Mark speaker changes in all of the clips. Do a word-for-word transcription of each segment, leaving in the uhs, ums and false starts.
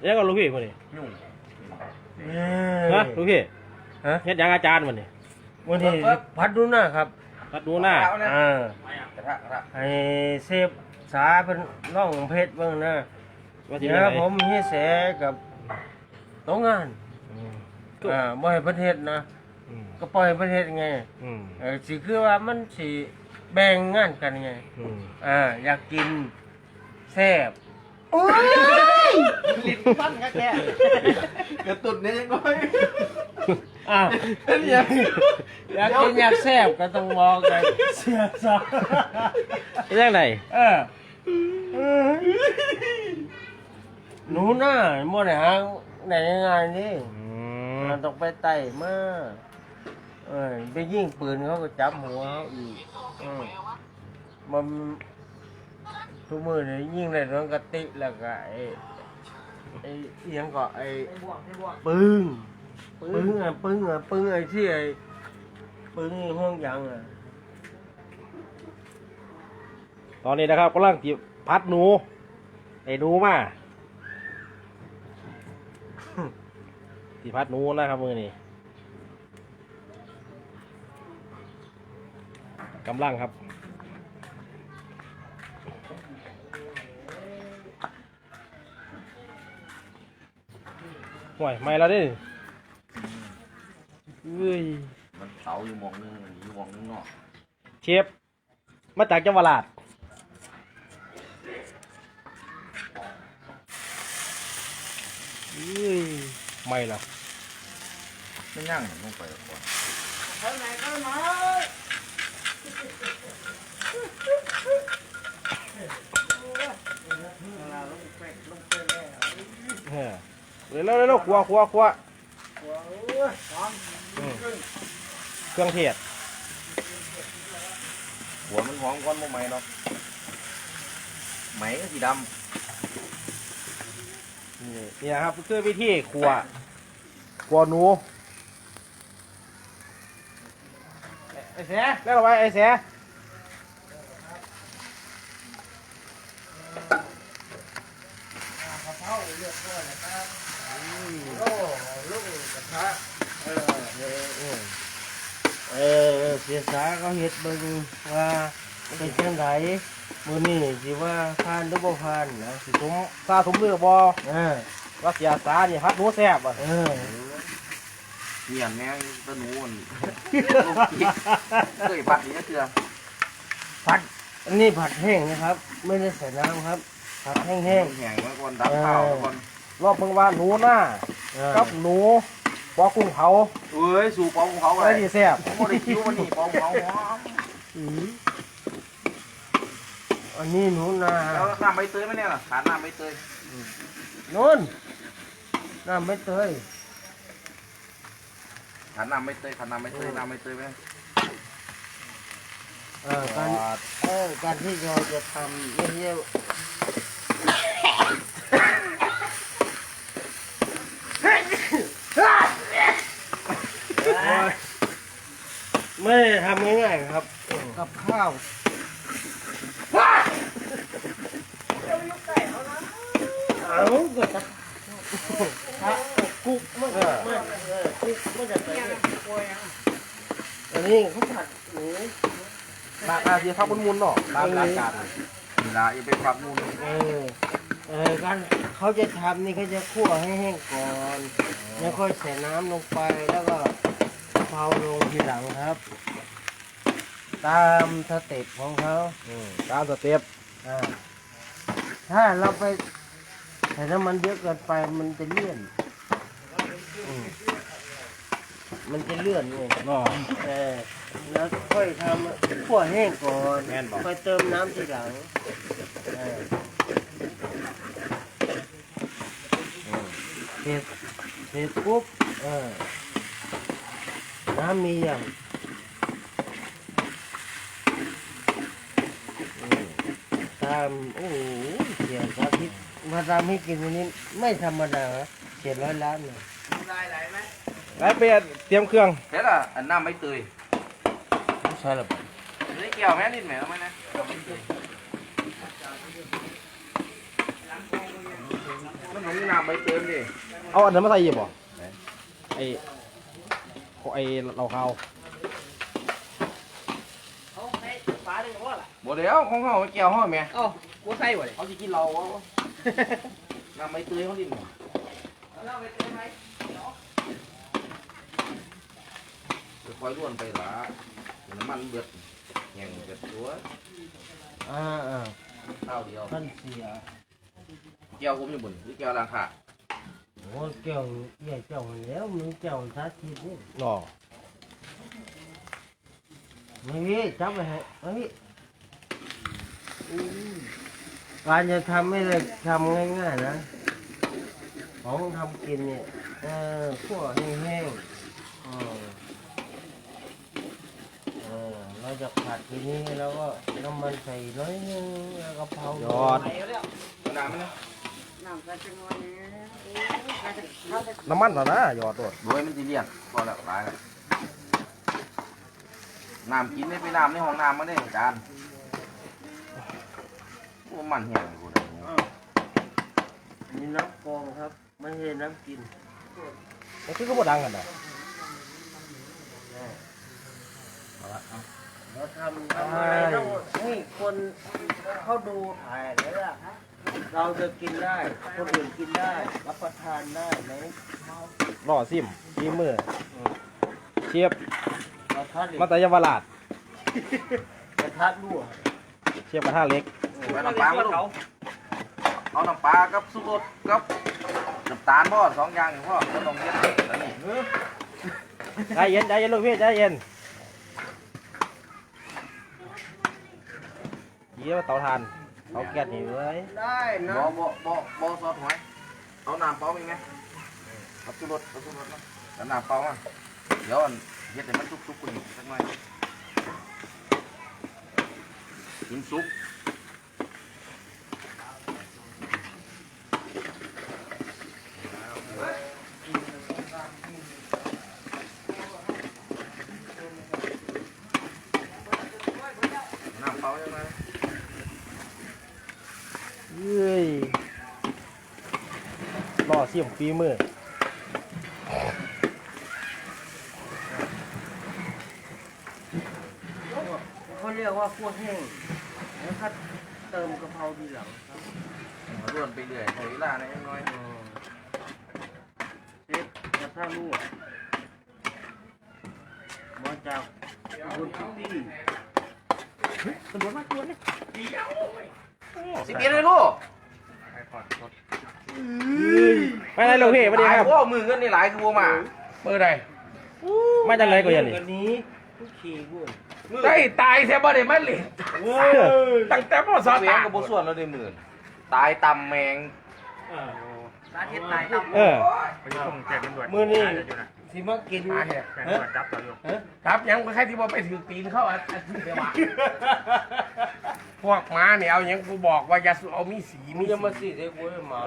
Speaker 1: ยังก็ลูกพี่คนนี้ยุ่งฮะลูกพี่ฮะเฮ็ดยังอาจารย์วันนี้
Speaker 2: วันนี้พัดดูหน้าครับ
Speaker 1: พัดดูหน้า
Speaker 2: อ่าให้เซฟสาเป็นร่องเพชรบ้างนะเดี๋ยวผมให้แสกับโต๊ะงานอ่าบ่ให้ประเทศนะก็ปล่อยประเทศไงเออสิคือว่ามันสิแบ่งงานกันไงอ่าอยากกินแซ่บโอ้ย
Speaker 3: ลิ้นปั้นแค่กระตุนเนี่ยยังไง
Speaker 2: อ่าอยากอยากกินอยากแซ่บก็ต้องบอกกันเสียซะ
Speaker 1: เรื่องไหน
Speaker 2: เออหนูหน้ามั่วไหนฮะไหนยังไงนี่เราต้องไปไต่มาเออไปยิงปืนเขาก็จับหัวเขาอีกมันทุกมือเนี่ยยิงในน้องกะติแล้วก็ไอ้ไอ้ยังก็ไอ้ปึ้งปึ้งอ่ะปึ้งอ่ะปึ้งไอ้ที่ไอ้ปึ้งห้องยังอ่ะ
Speaker 1: ตอนนี้นะครับกำลังจีบพัดหนูไอ้หนูมาจีพัดหนูนะครับมือนี่กำลังครับห่วยไม่แล้วดิเฮ้ย
Speaker 3: มันเสาอยู่มองนึงอยู่มองนึงเนาะ
Speaker 1: เชฟมาจากจังหวัดราชเฮ้ยไม่ละ
Speaker 3: ไม่ย่างลงไปก่อน
Speaker 2: ข้างไหนข้างไหน
Speaker 1: เร็วเร็วเร็วครัวครัวครัวเครื่องเทศ
Speaker 3: หัวมันหอมก้อนโมไหมเนาะไหมก็สีดำ
Speaker 1: นี่นี่ครับคือวิธีครัวครัวหนูไอ้เสียแล้วเอาไว้ไอ้เสีย
Speaker 2: เออเสียสาเขาเห็ดเบิ่งว่าเป็นจังไดมื้อนี้สิว่าผ่านหรือบ่ผ่านนะ
Speaker 1: สิสมซาสมเรือบ่เออว่าเสียสานี่พัดหนูแซ่บอ่ะเออ
Speaker 3: เหี่ยนแม่งตะหนูมันเคยผัดนี่ก็คือ
Speaker 2: ผัดอันนี้ผัดแห้งนะครับไม่ได้ใส่น้ำครับผัดแห้งๆแห้ง
Speaker 3: มาก่อนดับข้าวก่อน
Speaker 1: รอบเพิ่งว่าหนูหน้ากับหนูปอกุ้งเผา
Speaker 3: เอ้ยสู่ปอกุ้งเผาอะไร
Speaker 1: ดีแซ่บ
Speaker 3: ผมไม่ได้คิ้ววันนี้ปอกุ้งเผา
Speaker 2: อันนี้หนูนา
Speaker 3: แล้วน้ำใบเตยไหมเนี่ยล่ะขาดน้ำใบเตย
Speaker 2: นู่นน้ำใบเตย
Speaker 3: ขาดน้ำใบเตยขาดน้ำใบเตยน้ำใบเตยไหม
Speaker 2: เออการเออการที่เราจะทำเยี่ยไม่ได้ทำง่ายๆครับกับข้าวเอาก็จะกุ๊กไม่ไม่กุ๊กไม่จะเป็นอันนี้เขาผัดหมู
Speaker 1: บางอาเซียพักมุนๆเนาะบางรายการ
Speaker 3: เวลาอย่าไปพักมุน
Speaker 2: เออเออการเขาจะทำนี่เขาจะคั่วให้แห้งก่อนแล้วค่อยใส่น้ำลงไปแล้วก็เผาลงทีหลังครับตามสเต็ปของเขา
Speaker 1: ตามสเต็ป
Speaker 2: ถ้าเราไปใส่น้ำมันเยอะเกินไปมันจะเลื่อนมันจะเลื่อนไงเออแล้วค่อยทำคั่วแห้งก่อนค่อยเติมน้ำทีหลังเสร็จเสร็จปุ๊บน้ำมีอย่างตามโอ้โหเสียสาธิตมาตามให้กินวันนี้ไม่ธรรมดาเจ็ดร้อยล้านเลย
Speaker 3: ได้ไหลไหม
Speaker 1: ไหลเปียเตรียมเครื่อง
Speaker 3: เสร็จละอันน้ำใบเตย
Speaker 2: ใช่หรือเปล่า
Speaker 3: นี่เกี่ยวแม่นิดไหมเอาไหมนะมันหนุ่มน้น้ำใบเติมดิ
Speaker 1: เอาอันนั้นมาใส่ยีบ่ไอไอเราเขา
Speaker 4: เอาให้ฟ้าเลยว่าล่ะ
Speaker 3: บ่เดี๋ยวของเฮาเกี่ยวเฮาแม่
Speaker 4: เอ้ากูใส่บ่เลย
Speaker 3: เขาสิกินเราวะน้ำใบเตยเขาดิน
Speaker 4: เราไปเติมไหม
Speaker 3: คอยล้วนไปละน้ำมันเบิดแห้งเบิดตัว
Speaker 2: อ่าอ่า
Speaker 3: ข้าวเดียว
Speaker 2: ท่านเสีย
Speaker 3: เกี่ยวผมอยู่บนหรือเกี่ยวราคา
Speaker 2: โอ้เกี่ยวใหญ่เจ้ามันแล้วมึงเจ้าสาธิตนี่
Speaker 1: หล่อ
Speaker 2: ไม่มีจับไปให้ไม่มีการจะทำไม่ได้ทำง่ายๆนะของทำกินเนี่ยเออขั่วแห้งๆเออเออเราจะผัดทีนี้แล้วก็น้ำมันใส่น้อยนึงแล้วก็เผาย
Speaker 1: อด
Speaker 4: ไปแล้ว
Speaker 3: น้ำมันนะ
Speaker 4: น้ำใส่จังหวะนี้เขาจะเขาจะ
Speaker 1: น้ำมันเหรอนะหยอดตัว
Speaker 3: โดยมันสิเลียนพอแล้วตายแล้วน้ำกินได้ไปน้ำในห้องน้ำมาได้จานโอ้มันแห้งกูเลย
Speaker 2: มีน้ำกรองครับไม่ใช่น้ำกิน
Speaker 1: นี่คือก็บ่ดังกันนะ
Speaker 2: เราทำทำอะไรต้องให้คนเขาดูถ่ายเลยล่ะเราจะกินได้คนอื่นกินได้รับประทานได้ไหม
Speaker 1: หล่อซิมฝีมือเชียบ
Speaker 2: กระทะเหล็ก
Speaker 1: มาแต่เยาวราช
Speaker 2: กระทะรั่ว
Speaker 1: เชียบกระทะเล็ก
Speaker 3: เอาน้ำปลามาดูเอาน้ำปลากับสุกรกับน้ำตาลพ่อสองอย่างพ่อก็ต้องเย็นแล้วนี่
Speaker 1: ใจเย็นใจเย็นลูกพี่ใจเย็นเยี่ยมเตาถ่านเตาแก๊สนี่เว้ย
Speaker 2: ได้นะ
Speaker 3: บ่บ่บ่บ่ซอสหอยเอาน้ำเปล่ามีไหมเอาสุกรเอาสุกรนะแล้วน้ำเปล่ามาเดี๋ยวอันเย็ดให้มันสุกๆกุ่นสักหน่อยกินซุป น้ำเปล่าใช่ไหม
Speaker 1: เอ้ยหล่อซิมฝีมือ
Speaker 2: เขาเรียกว่าคั่วแห้งแล้วก็เติมกะเพราทีหลังครับ
Speaker 3: เอาร่วนไปเรื่อยใช้เวลาหน่อยน้อย
Speaker 2: เซ็ตกระทะรั่วมาจากบุญพิตี้
Speaker 4: ตำรวจมาตรวจเลย
Speaker 3: สิบเอ็ดเลยลูก
Speaker 1: ไปไหนลูกพี่สวัสดีครับ
Speaker 3: โอ้มือเงินนี่หลายคือบัวมาเมื่อไร
Speaker 1: มาจากไหนก็อยันนี่
Speaker 2: วันนี้ทุกขี่บุญ
Speaker 3: ได้ตายแท้บ่ได้มาเล่นตั้งแต่พ่อสอนแมงกับบัวส่วนเราได้หมื่นตายตำแมง
Speaker 4: สาธิตตายครับ
Speaker 1: เออ
Speaker 2: มือนี่สิมากินฮะ
Speaker 5: ครับยังไม่ใช่ที่ว่าไปถือตีนเข้าอันอันที่เดียวอะพวกม้าเนี่ยเอายังกูบอกว่าอย่าเอามีสี
Speaker 2: มึ
Speaker 5: มี
Speaker 2: งจะมาสิเด็กกูให้หมา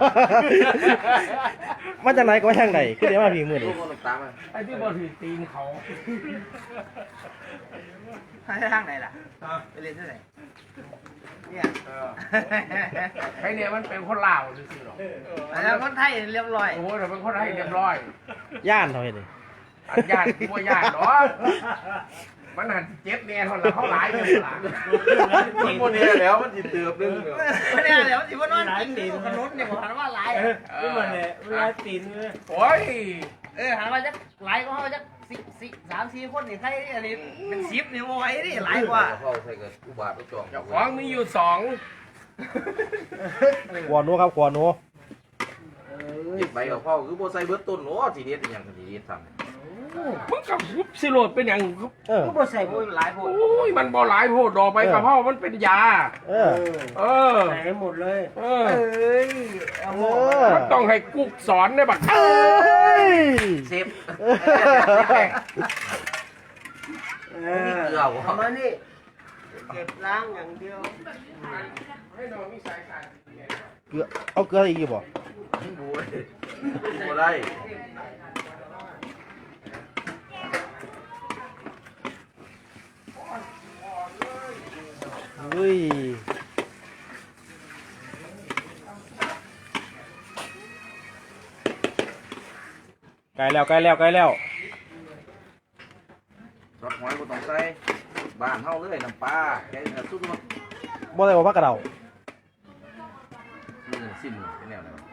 Speaker 1: มาจากไหนก็มาทางไหนคือเดี๋ยวมาผีมือ
Speaker 3: ลู
Speaker 1: นี่
Speaker 3: กคนตามมา
Speaker 5: ไอ้ที่บอกถือตีนเขา
Speaker 4: ไปทางไหนล่ะไปเรียนที่ไหนเนี่ย
Speaker 5: เออไอ้เนี่ยมันเป็นคนลาวซื่อๆหรอก
Speaker 4: แล้วคนไทยเรียบร้อย
Speaker 5: โอ้แต่เป็นคนให้เรียบร้อย
Speaker 1: ย่านเท่าไหร่นี่
Speaker 5: อันญาติตัวญาติหรอมันหันเจ็บแน่ทนละเขาหลายเลยหลาน
Speaker 3: มันคนนี้แล้วมันจิตเตือบนึง
Speaker 4: ไม่ได้เดี๋ยวสิว่านอนกินอยู่ถนนเนี่ยผมหันว่าหลาย
Speaker 2: นี่มันเนี่ยเวลาตีนเลย
Speaker 5: โอ้ย
Speaker 4: เออหันว่าจะหลายก็เขาจะสิสิสามสี่คนนี่ใครอันนี้เป็นสิบนี่โอ้ยนี่หลายกว่า
Speaker 3: เข้าใส่กับอุบาทอุจอง
Speaker 5: เจ้าของมีอยู่สอง
Speaker 1: ขวานัวครับขวานัว
Speaker 3: จิตใบกับพ่อคือโบไซเบิร์ตต้นโอ้ทีเด็ดอย่างทีเด็ดทำ
Speaker 5: มึงกับกุบสิโรดเป็นอย่าง
Speaker 1: เออ
Speaker 2: กูบ่ใส่
Speaker 4: โอ้ยหลายโพด
Speaker 5: โอ้ยมันบ่หลายโพดดอกใบกระเพรามันเป็นยา
Speaker 1: เอ
Speaker 2: เอ
Speaker 1: อ
Speaker 2: อ
Speaker 5: เออ
Speaker 2: ใส่ให้หมดเลย
Speaker 5: เออ
Speaker 4: เอ้ยเอาหม้อ
Speaker 1: เออ
Speaker 5: มันต้องให้กุ๊กสอนได้บัก
Speaker 1: เอ้ย
Speaker 3: เซฟ
Speaker 2: เออทำมานี่เก็บล้างอย่างเดียว
Speaker 5: ให้น้องมีสายสาย
Speaker 1: เกลือเอาเกลืออีกบ่
Speaker 3: บูยบูได้
Speaker 1: เฮ้ยใกล้แล้วใกล้แล้วใกล้แล้ว
Speaker 3: ซอสหอยก็ต้องใส่บ้านเฮาเลยน้ำปลาแค่นี้สุดมั้ง
Speaker 1: บ่ได้ว่าพักกระเดา
Speaker 3: นี่ซิมเป็นแนวไหนวะ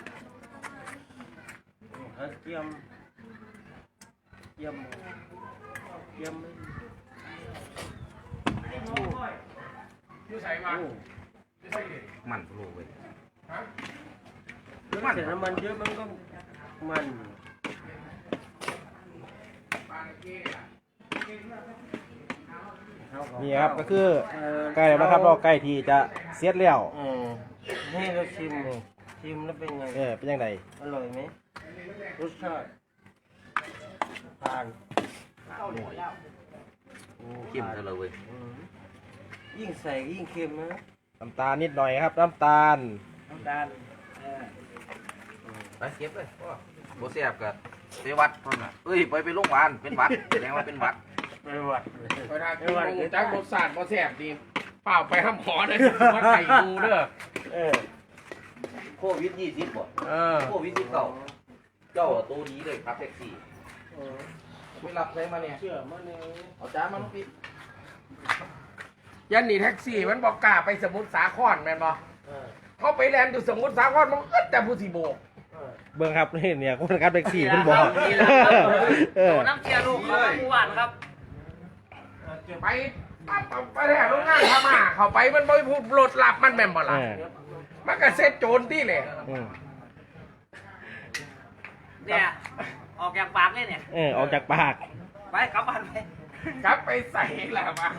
Speaker 2: เจียมเจียมเจียม
Speaker 5: อยู่ใส่มาอยู่ใส่ดิ
Speaker 3: มันโลเว้ย
Speaker 5: ฮะ
Speaker 2: มันแต่น้ำมันเยอะมันก็มัน
Speaker 5: ปลาเกี้ย
Speaker 1: นี่ครับก็คือใกล้แล้วนะครับเราใกล้ที่จะเสียดแล้ว
Speaker 2: เออให้เราชิมเลยชิมแล้วเป็นไง
Speaker 1: เออเป็นยังไง
Speaker 2: อร่อยไหมรสชาติผ่าน
Speaker 3: เข้มเลยเว้ย
Speaker 2: อืมยิ่งใส่ยิ่งเค็มนะ
Speaker 1: น้ำตาลนิดหน่อยครับน้ำตาล
Speaker 2: น้ำตาลเออ
Speaker 3: ไปเก็บเลยโบเสียบกับไปวัดเท่านั้นเอ้ยไปไปโรงพยาบาลเป็นหวัดแสดงว่าเป็นหวัด
Speaker 2: ไม่หวัด
Speaker 5: ไปทานที่โรงจักรรสชาติบ่แซ่บดีเปล่าไปห้ามหมอเลยมาไข่ดูเด้อ
Speaker 2: เออ
Speaker 3: โควิดยี่สิบบ่
Speaker 5: เออ
Speaker 3: โควิดสิบเก้าเจ้าตัวดีเลยครับแท็กซี่
Speaker 2: เออ
Speaker 3: ไม่รับใช้มาเนี่ย
Speaker 2: เชื่อมันเลย
Speaker 3: เอาจ้ามาลูกพี่
Speaker 5: ยันนี่แท็กซี่มันบอกกล้าไปสมุทรสาครแม่นบ่
Speaker 2: เออ
Speaker 5: เขาไปแลนด์อยู่สมุทรสาครมันก็แต่ผู้สิโบก
Speaker 2: เออ
Speaker 1: เบิ่งครับนี่เนี่ยคนขับแท็กซี่เพิ่นบอก
Speaker 4: นี่แหละครับ
Speaker 1: เออ
Speaker 4: โดนน้ำเชียร์ลูกเขาทั้งหมู่บ้านครับ
Speaker 5: ไปปั๊บปั๊บไปแถวโรงงานพม่าเขาไปมันบ่พูดรถหลับมันแม่นบ่
Speaker 1: เอ
Speaker 5: ล่ะ
Speaker 1: อ
Speaker 5: มันก็เซ็ตโจรที่เลย
Speaker 1: อืม
Speaker 4: เนี่ยออกจากปากเลยเนี่ย
Speaker 1: เออออกจากปาก
Speaker 4: ไปกลับบ้านไป
Speaker 5: กลับไปใส่แหละมา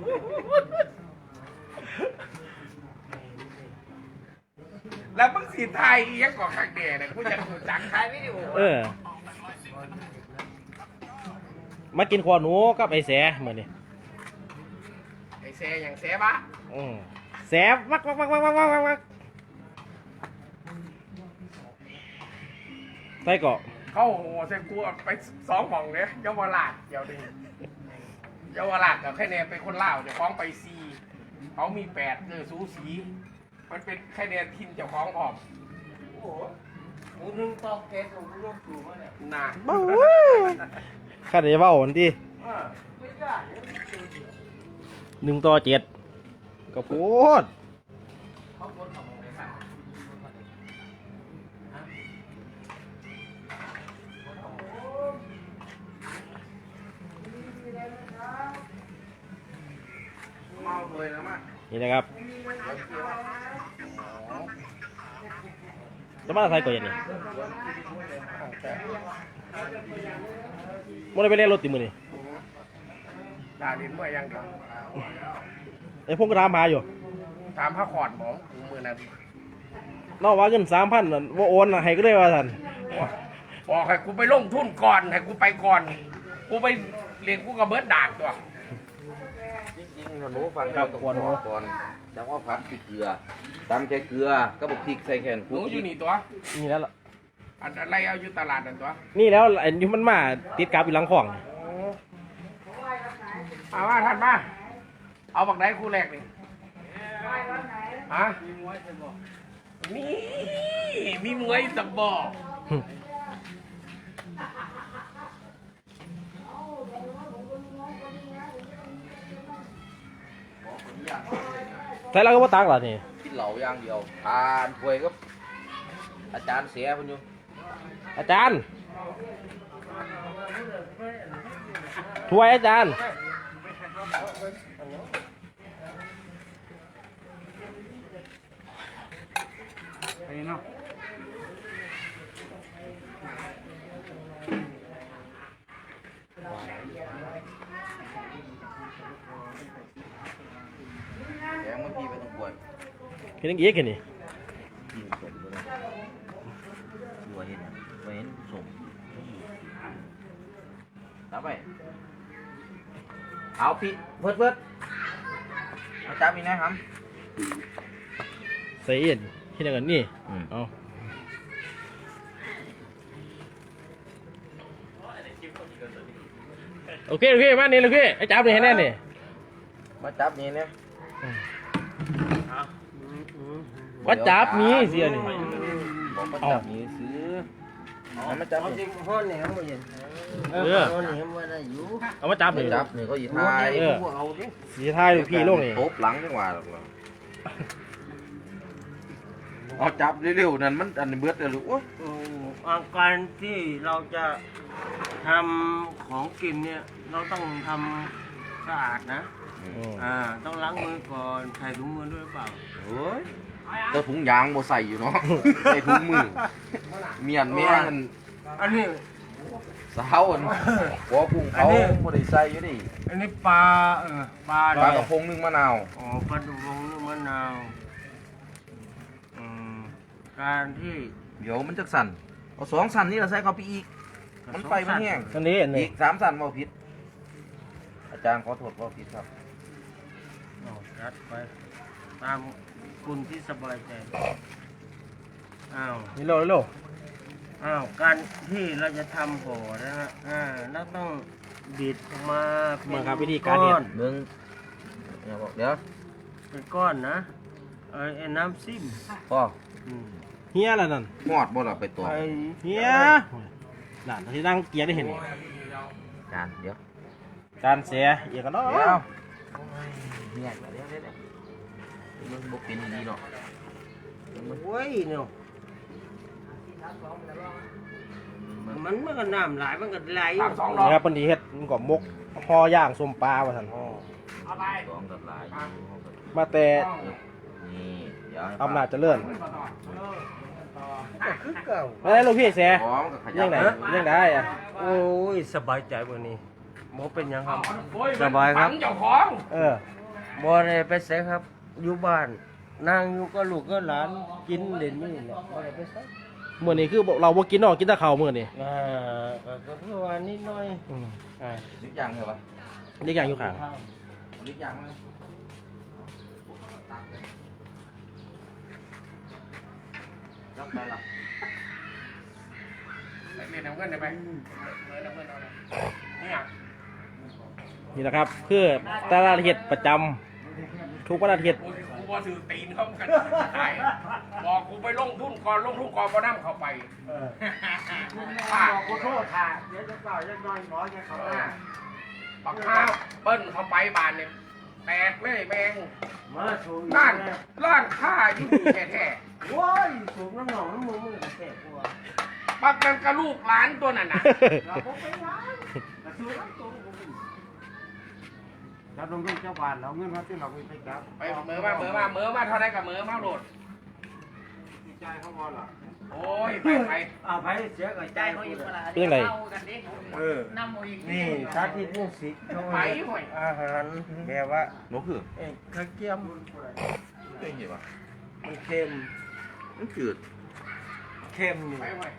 Speaker 5: แล้วมึงสีไทยอีหยังก่อข้างเดียเนี่ยกูจะรู้จัก
Speaker 4: ถ่ายวิดีโอ
Speaker 1: เออ มากินขวาหนูกับไอ้แสมื้อนี้
Speaker 5: ไอ้แซ่อย่างแซ่บะ
Speaker 1: อืมแสวักวักวักวักวักวักวักวักใส่เกาะ
Speaker 5: เข้าโหเส้นกูเอาไปสองหม่องเนี่ยเยาวราชเดี๋ยวนี้เยาวราชกับแค่เนี่ยเป็นคนเล่าวเจ้าของไปซีเขามีแปดเออสูสี มันเป็นแค่เนี่ยทินเจ้าของออก
Speaker 2: โอ้โหหมูนึ่งเตาแก๊สของกูต้องสูงมาเนี่ย
Speaker 5: น่ะ
Speaker 1: บ้าข้าได้เว้าอันที่
Speaker 2: เออไม่ได้
Speaker 1: หนึ่งต่อเจ็ดก็โพด
Speaker 5: เขาคนของในสัตว์
Speaker 3: เมาเลยนะมา
Speaker 1: นี่นะครับจะมาใส่ก่อนอย่างนี้มันได้ไปเล่นรถติมือนี่
Speaker 5: ด่าดินเมื่อยังเดียว
Speaker 1: ไอ้พวกกระทำมาอยู่
Speaker 5: ตามพระขอดหมองกูมือนั้น
Speaker 1: นอกว่าเงินสามพันว่าโอนน่ะให้ก็ได้ว่าท่าน
Speaker 5: บอกให้กูไปลงทุนก่อนให้กูไปก่อน กูไปเรียนกูกับเบิร์ดด่านตัว
Speaker 3: จริงๆหนูฟังเราต้องก่อนก่อนจังว่าผัดพริกเกลือตำแค่เกลือก็บอกพริกใส่แค่
Speaker 5: หนูอยู่นี่ตัว
Speaker 1: นี่แล้วล่ะ
Speaker 5: อันอะไรเอาอยู่ตลาดนั่นตัว
Speaker 1: นี่แล้วไอ้นี่มันมาติดกับอยู่หลังของ
Speaker 5: เอาว่าท่านมาเอาบักไหนคู่แรกนี่ฮะนี่มีมวยตะบอก
Speaker 1: ใส่แล้วก็ว่าตักเหรอนี่
Speaker 3: กินเหล้าอย่างเดียวทานป่วยก็อาจารย์เสียมันอยู่
Speaker 1: อาจารย์ถ้วยอาจารย์
Speaker 2: ไปเนาะ
Speaker 3: แกงมันพี่ไปต้องป่วย
Speaker 1: คิดยังอีกแค่นี้
Speaker 3: พี่สมด้วยนะหัวเห็นหัวเห็นสมรับไปเอาพี่เพิดเพิดมาจับอีกนะครับ
Speaker 1: ใส่เอ็นคิดยังไงนี่
Speaker 3: อืม
Speaker 1: เอาโอเคโอเคมานี่โอเคไอ้จับนี่ให้แน่นี่
Speaker 3: มาจับนี่เนี่ย
Speaker 1: ว่าจับนี้เสียนี่
Speaker 3: บอกมาจับนี่ซื้อเอามาจับ
Speaker 2: เอาจริ
Speaker 3: นี่
Speaker 2: งห้อนเนี่ยมันเย็น
Speaker 1: เออ
Speaker 2: ห้อนเนี่ยมันได้อยู่
Speaker 1: เอามาจับ
Speaker 3: ไป
Speaker 1: เลย
Speaker 3: จับนี่เขาอี
Speaker 2: หัว
Speaker 3: ทา
Speaker 2: ใหญ่
Speaker 3: ย
Speaker 2: กูเอาดิ
Speaker 1: สีท้ายลูกพี่ลงนี่
Speaker 3: ทบหลังจังหวะหรอกเหรอเอาจับเร็วๆนั่นมันอันนี้เบิดเลยลูกโอ้ย
Speaker 2: อืมอาการที่เราจะทำของกินเนี่ยเราต้องทำสะอาดนะ
Speaker 1: อืม
Speaker 2: อ่าต้องล้างมือก่อนใส่ถุงมือด้วยหรือเปล่า
Speaker 3: โอ้ยเจ้าถุงยางบ่ใส่อยู่เนาะ ใส่ถุงมือเมียนแม่มัน
Speaker 2: อันนี้
Speaker 3: สาวอันหัวกุ้งเขาบ่ได้ใส่อยู่ดิ
Speaker 2: อันนี้ปลาเออปลา
Speaker 3: ปลากระพงนึ่งมะนาว
Speaker 2: อ๋อปลาดุกงนึ่งมะนาวอืมการที่
Speaker 3: เดี๋ยวมันจะสั่นเอาสองสั่นนี่เราใส่เข้าไปอีก มันไฟมันแห้ง
Speaker 1: อันนี้อัน
Speaker 3: อี
Speaker 1: นี้
Speaker 3: กสามสั่นเว่าผิด อาจารย์ขอโทษเว่าผิดครับ
Speaker 2: เอาจัดไปตามคุณที่สบายใจอ้าว
Speaker 1: นี่โลนี่โล
Speaker 2: อ้าวการที่เราจะทำห่อนะฮะอ่าเราต้องบิดออกมาเป็น
Speaker 1: มาครับวิธีการเฮ็ด
Speaker 3: มึงอย่าบอกเดี๋ยว
Speaker 2: เป็นก้อนนะเอ้ยไอ้น้ำซิม
Speaker 3: พ่อ
Speaker 2: อืม
Speaker 1: เฮียอะไรนั่น
Speaker 3: หอดบ่ล่ะไปตัว
Speaker 2: ไอ้
Speaker 1: เฮียนั่นที่นั่งเกียร์ได้เห็นนี่
Speaker 3: อาจารย์เดี๋ยว
Speaker 1: จานเสียเอียกันเนาะ
Speaker 3: เดี๋ยวเนี่ยเดี๋ยวเดี๋ยวเดี๋ยวมึงบ่เป็นดีเนาะ
Speaker 2: โอ้ยเนาะมันมันก็น้ำหลายมันก็ไหล
Speaker 5: สามสองดอ
Speaker 1: นี่
Speaker 5: ก
Speaker 1: ครับปนดีเฮ็ดมันก็มกห่อย่างส้มปลาว่าซั่น
Speaker 5: เอาไป
Speaker 3: สองกับหลาย
Speaker 1: มาแต่
Speaker 3: นี่เดี๋ยวให้
Speaker 1: อำนาจเจริญ
Speaker 2: ก็คือเก่า
Speaker 1: ไม่ได้ลูกพี่เสีย
Speaker 3: พร้อมกับขยั
Speaker 1: ยังไงยังได้อะ
Speaker 2: โอ้ยสบายใจวันนี้โมเป็นหยังครับ
Speaker 5: โอ้
Speaker 2: สบายครับ
Speaker 5: ฝังเจ้าของ
Speaker 1: เออ
Speaker 2: บ่ได้ไปไสครับ อยู่บ้านนั่งอยู่ก็ลูกก็หลานกินเล่นนี่แหละบ่ได้ไปไส
Speaker 1: มื้อนี้คือเราบ่กินเนาะกินแต่ข้าวมื้อนี้
Speaker 2: อ่าก็ก็เพื่อว่านิดหน่อย
Speaker 1: อืม
Speaker 2: อ่า
Speaker 3: ลิกยังเหรอวะ
Speaker 1: นี่อย่างอยู่ข้าง
Speaker 3: ลิกยังเลยจับไปละ
Speaker 5: ไปเรียนน้ำเงินได้ไหมเรียนน้ำเงินเอาเลยเนี่ย
Speaker 1: นี่แหละครับคือตลาดเฮ็ดประจำทุกวันอาทิตย์
Speaker 5: กูกูว่าถือตีนเข้ากันขายบอกกูไปลงทุนก่อนลงทุนก่อนพอนั่งเข้าไปป้า
Speaker 2: ขอโทษค่ะเดี๋ยวจะเปล่าจะน้อยน้อยจะเขาหน้า
Speaker 5: ปักข้าวเปิ้ลเข้าไปบานเนี่ยแตกเลยแมง
Speaker 2: มาสูง
Speaker 5: ร้านร้านค้าอยู่แท้
Speaker 2: โว้ยสูงน้ำหนองน้ำมือมือแก่กว่า
Speaker 5: ๆปักกันกับลูกหลานตัวนั้นน่ะ
Speaker 2: เราก็ไปร้านแต่สูงน้ำตรงจับลงด้วยเจ้าบ้านเราเงินมาที่เราไปจับ
Speaker 5: ไปเมือมาเมือมาเมือมาเท่าไรกับเมือมาโหลด
Speaker 2: ใจเขาบอลเหรอ
Speaker 5: โอ้ยไปไป
Speaker 2: เอาไปเสียกับใจ
Speaker 4: ใจ
Speaker 2: เขา
Speaker 4: เขา
Speaker 2: อี
Speaker 4: อี
Speaker 2: ก
Speaker 4: กเวลา
Speaker 1: เป็นไง
Speaker 4: เข้ากันดิ
Speaker 2: เออ
Speaker 4: น้ำมูอีก
Speaker 2: นี่สาธิตมุสิกเขา
Speaker 5: ไป
Speaker 2: ให้
Speaker 5: ห่วย
Speaker 2: อาหารแบบว่า
Speaker 3: นกคือ
Speaker 2: เอ้ยข้าวเกี๊ยม
Speaker 3: เอ้ยเห็นปะ
Speaker 2: มันเค็ม
Speaker 3: มันจืด
Speaker 2: เค็มอยู่
Speaker 5: ไปห่วย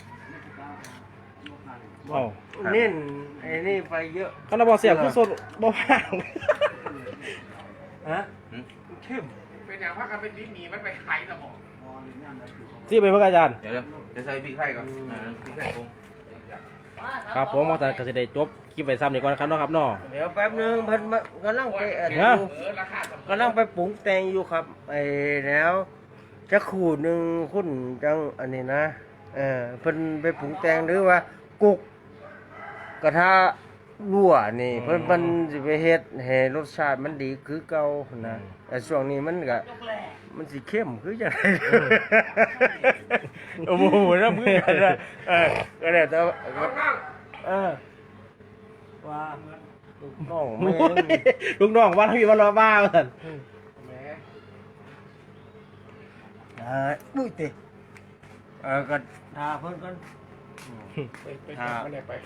Speaker 1: เอ้า
Speaker 2: เน้นไอ้นี่ไปเยอะ
Speaker 1: คันบ่เสียบคือสดบ่ว่าง
Speaker 2: ฮะ
Speaker 3: หืม
Speaker 2: เข้ม
Speaker 5: เป็นอย่างพักกันเป็นลิ้นหนีมันไปขายสมอง
Speaker 1: ที่ไปเพิ่นอาจารย์
Speaker 3: เดี๋ยวเดี๋ยวจะใส่พริกไทยก่อนอ่าพริกไทยปรุง
Speaker 1: ครับผมอาจารย์ก็สิได้จบคลิปไว้ซ้ำนี่ก่อนครับเนาะครับเนาะ
Speaker 2: เดี๋ยวแป๊บนึงเพิ่นมากำลังไปอัน
Speaker 1: ฮะ
Speaker 2: อยู่
Speaker 5: เออราคาสม
Speaker 2: กำลังไปปรุงแต่งอยู่ครับไอ้แล้วจะขูดหนึ่งคุณจังอันนี้นะเออเพิ่นไปปรุงแต่งหรือว่ากุกกระทะรั่วนี่เพิ่นเพิ่นสิไปเฮ็ดให้รสชาติมันดีคือเก่านะแต่ช่วงนี้มันก็มันสิเข้มคือจังไดโอ้โหนะมือกันนะเออก็ได้แต่ว่า
Speaker 5: เอานั่ง
Speaker 2: เออว่าลูกน้องแม่
Speaker 1: โอ้ยลูกน้องว่าทำอีวันละบ้าว่าซั่น
Speaker 5: แหม
Speaker 2: อ่าอุ้ยติเออก็ทาเพิ่นก่อน
Speaker 5: ไปไปทำอะไรไป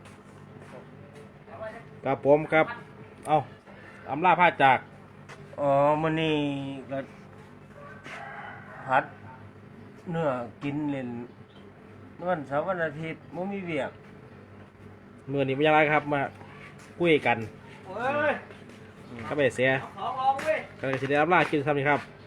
Speaker 1: ครับผมครับ เอ้าอำลาพาจาก
Speaker 2: อ๋อมื้อนี้ก็ผัดเนื้อกินเล่นวันเสาร์วันอาทิตย์บ่มีเวียก
Speaker 1: มื้อนี้เป็นยังไงครับมาคุยกัน
Speaker 2: เอ้ย
Speaker 1: ครับไปเสีย
Speaker 4: ของลองเว้ย
Speaker 1: ก็สิได้อำลากินซ้ำนี่ครับ